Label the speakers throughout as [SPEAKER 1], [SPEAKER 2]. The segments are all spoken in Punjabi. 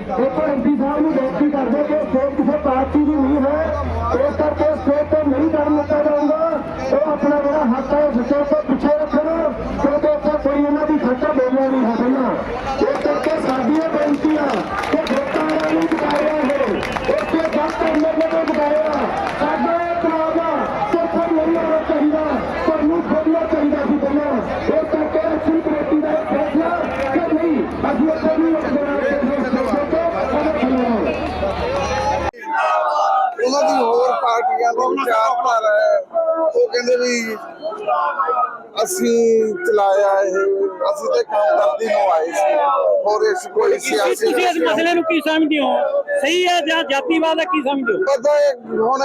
[SPEAKER 1] एक एमपी साहब ने बेनती कर दे कि स्टेट किसी पार्टी की नहीं है, इस करके स्टेट को नहीं कर दिता जाऊंगा। वो अपना जो हक है स्टेट को पिछे रखना, क्योंकि उत्तर कोई इन्हों की खर्चा बोलना नहीं है पहला। इस करके साडियां बेनतियां कि वोटां नहीं बकाया है, उसके गलत एमएलए को बकाया साडा तनावा सिर्फ नहीं होना चाहिए, ਤੁਹਾਨੂੰ ਖੋਲਣਾ ਚਾਹੀਦਾ ਸੀ ਪਹਿਲਾਂ। ਇਸ ਕਰਕੇ ਅਸੀਂ ਕਮੇਟੀ ਦਾ ਫੈਸਲਾ ਕਿ ਨਹੀਂ ਅਸੀਂ ਉੱਥੇ ਨਹੀਂ
[SPEAKER 2] ਉਹਨਾਂ ਦੀ ਹੋਰ ਪਾਰਟੀਆਂ ਦੀ ਵਿਚਾਰਧਾਰਾ ਹੈ। ਉਹ ਕਹਿੰਦੇ ਵੀ ਅਸੀਂ ਚਲਾਇਆ ਇਹ, ਅਸੀਂ ਤੇ ਕਾਮਦਰਦੀ ਨੂੰ ਆਏ ਸੀ, ਹੋਰ ਇਸ ਕੋਈ ਸਿਆਸੀ
[SPEAKER 3] ਤੁਸੀਂ ਇਸ ਮਸਲੇ ਨੂੰ ਕੀ ਸਮਝਦੇ ਹੋ? ਸਹੀ ਹੈ ਜਾਂ ਜਾਤੀਵਾਦ ਹੈ, ਕੀ ਸਮਝਦੇ ਹੋ?
[SPEAKER 2] ਪਤਾ ਹੈ ਹੁਣ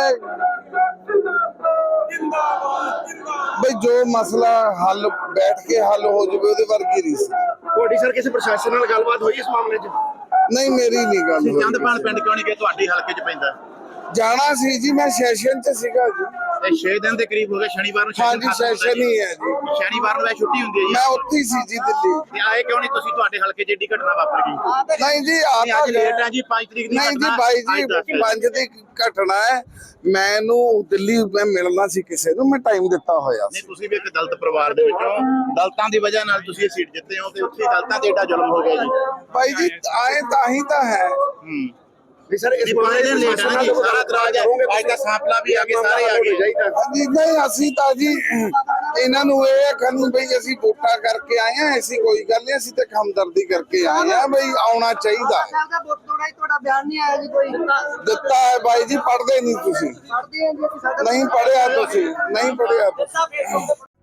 [SPEAKER 2] ਬਈ ਜੋ ਮਸਲਾ ਹੱਲ ਬੈਠ ਕੇ ਹੱਲ ਹੋ ਜਾਵੇ ਉਹਦੇ ਵਰਗੀ ਰੀਸ
[SPEAKER 4] ਤੁਹਾਡੀ ਸਰ ਕਿਸੇ ਪ੍ਰਸ਼ਾਸਨ ਨਾਲ ਗੱਲਬਾਤ ਹੋਈ ਇਸ ਮਾਮਲੇ 'ਚ?
[SPEAKER 2] ਨਹੀਂ, ਮੇਰੀ ਨਹੀਂ ਗੱਲ ਹੋਈ।
[SPEAKER 4] ਚੰਦਪਾਲ ਪਿੰਡ ਕਿਉਂ ਨਹੀਂ ਗਏ? ਤੁਹਾਡੇ ਹਲਕੇ 'ਚ ਪੈਂਦਾ।
[SPEAKER 2] ਜਾਣਾ ਸੀ ਜੀ, ਮੈਂ ਸੈਸ਼ਨ 'ਚ ਸੀਗਾ ਜੀ।
[SPEAKER 4] ਇਹ 6 ਦਿਨ ਦੇ ਕਰੀਬ ਹੋ ਗਏ, ਸ਼ਨੀਵਾਰ ਨੂੰ
[SPEAKER 2] ਹਾਂਜੀ ਸੈਸ਼ਨ ਹੀ ਹੈ ਜੀ।
[SPEAKER 4] ਸ਼ਨੀਵਾਰ ਨੂੰ ਛੁੱਟੀ ਹੁੰਦੀ ਹੈ ਜੀ।
[SPEAKER 2] ਮੈਂ ਉੱਥੇ ਸੀ ਜੀ ਦਿੱਲੀ।
[SPEAKER 4] ਤੇ ਆਏ ਕਿਉਂ ਨਹੀਂ ਤੁਸੀਂ? ਤੁਹਾਡੇ ਹਲਕੇ 'ਚ ਏਡੀ ਘਟਨਾ ਵਾਪਰ ਗਈ।
[SPEAKER 2] ਨਹੀਂ ਜੀ
[SPEAKER 4] ਅੱਜ ਲੇਟ ਹੈ ਜੀ, 5 ਤਰੀਕ ਦੀ
[SPEAKER 2] ਨਹੀਂ ਜੀ ਬਾਈ ਜੀ, 5 ਦੀ ਘਟਨਾ ਹੈ। ਮੈਨੂੰ ਦਿੱਲੀ ਮੈਂ ਮਿਲਣਾ ਸੀ ਕਿਸੇ ਨੂੰ, ਮੈਂ ਟਾਈਮ ਦਿੱਤਾ ਹੋਇਆ
[SPEAKER 4] ਨਹੀਂ,
[SPEAKER 2] ਸੀ।
[SPEAKER 4] ਤੁਸੀਂ ਵੀ ਇੱਕ ਦਲਿਤ ਪਰਿਵਾਰ ਦੇ ਵਿੱਚੋਂ, ਦਲਿਤਾਂ ਦੀ ਵਜ੍ਹਾ ਨਾਲ ਤੁਸੀਂ ਇਹ ਸੀਟ ਜਿੱਤੇ ਹੋ ਤੇ ਉੱਥੇ ਦਲਿਤਾਂ ਤੇ ਏਡਾ ਜ਼ੁਲਮ ਹੋ ਗਿਆ ਜੀ।
[SPEAKER 2] ਬਾਈ ਜੀ ਆਏ ਤਾਂ ਹੀ ਤਾਂ ਹੈ।
[SPEAKER 4] ਵੀ ਸਰ ਇਸ ਬਾਰੇ ਦੇ ਲੇਟ ਹੈ ਜੀ, ਸਾਰਾ ਇਤਰਾਜ਼ ਹੈ। ਅੱਜ ਦਾ ਸਾਂਪਲਾ ਵੀ ਆ ਗਏ, ਸਾਰੇ ਆ ਗਏ।
[SPEAKER 2] ਹਾਂਜੀ ਨਹੀਂ, ਅਸੀਂ ਤਾਂ ਜੀ ਇਹਨਾਂ ਨੂੰ ਇਹ ਆਖਣ ਬਈ ਅਸੀਂ ਵੋਟਾਂ ਕਰਕੇ ਆਏ ਆ, ਐਸੀ ਕੋਈ ਗੱਲ ਨਹੀਂ। ਅਸੀਂ ਤਾਂ ਹਮਦਰਦੀ ਕਰਕੇ ਆਏ ਆ, ਬਈ ਆਉਣਾ ਚਾਹੀਦਾ ਹੈ।
[SPEAKER 5] ਤੁਹਾਡਾ ਬਿਆਨ ਨਹੀਂ ਆਇਆ ਜੀ ਕੋਈ?
[SPEAKER 2] ਦਿੱਤਾ ਹੈ ਬਾਈ ਜੀ, ਪੜ੍ਹਦੇ ਨਹੀਂ ਤੁਸੀਂ।
[SPEAKER 5] ਪੜ੍ਹਦੇ ਆ ਜੀ,
[SPEAKER 2] ਨਹੀਂ ਪੜ੍ਹਿਆ ਤੁਸੀਂ, ਨਹੀਂ ਪੜ੍ਹਿਆ ਤੁਸੀਂ।